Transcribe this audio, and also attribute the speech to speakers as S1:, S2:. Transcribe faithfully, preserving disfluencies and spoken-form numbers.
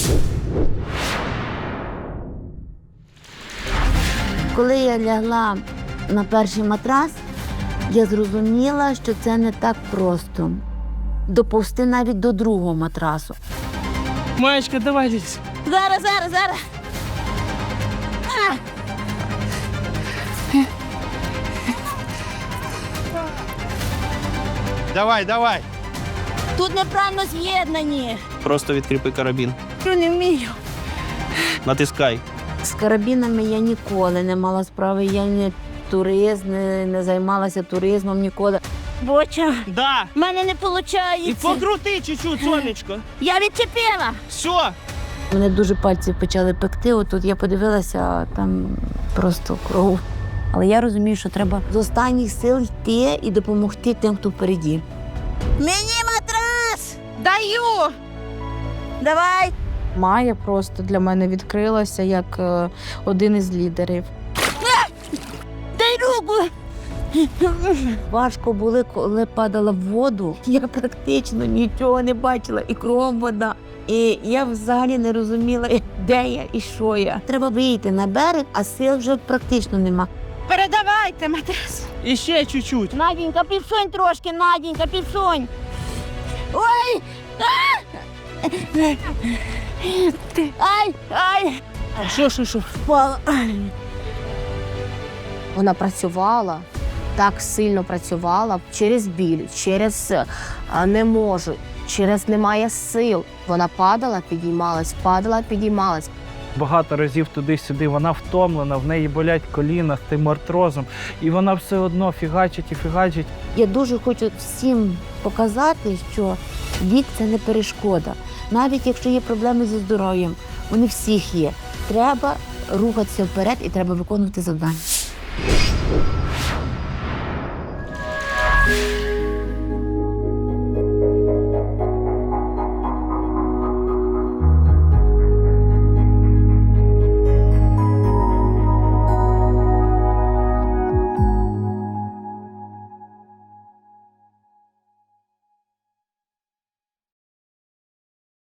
S1: Коли я лягла на перший матрас, я зрозуміла, що це не так просто. Доповзти навіть до другого матрасу.
S2: Маєчка, давай лізь.
S1: Зараз, зараз, зараз. А!
S3: Давай, давай.
S1: Тут неправильно з'єднані.
S2: Просто відкріпи карабін.
S1: Я не вмію.
S2: Натискай.
S1: З карабінами я ніколи не мала справи. Я не турист, не, не займалася туризмом ніколи. Боча,
S2: Да.
S1: в мене не виходить.
S2: І покрути чуть-чуть, сонечко.
S1: Я відчепила.
S2: Все.
S1: Мене дуже пальці почали пекти. Отут я подивилася, а там просто кров. Але я розумію, що треба з останніх сил йти і допомогти тим, хто впереді. Мені матрас! Даю! Давай!
S4: Майя просто для мене відкрилася як е, один із лідерів.
S1: Дай руку! Важко було, коли падала в воду. Я практично нічого не бачила, і кров вода. І я взагалі не розуміла, де я і що я. Треба вийти на берег, а сил вже практично нема. Передавайте матрас.
S2: І ще чуть-чуть.
S1: Наденька, підсунь трошки, Наденька, підсунь. Ой! А! Ай, ай!
S2: Що, що, що?
S1: Впала.
S4: Вона працювала, так сильно працювала через біль, через а, не можу, через немає сил. Вона падала, підіймалась, падала, підіймалась.
S5: Багато разів туди-сюди, вона втомлена, в неї болять коліна з тим артрозом, і вона все одно фігачить і фігачить.
S1: Я дуже хочу всім показати, що вік – це не перешкода. Навіть якщо є проблеми зі здоров'ям, вони всіх є. Треба рухатися вперед і треба виконувати завдання.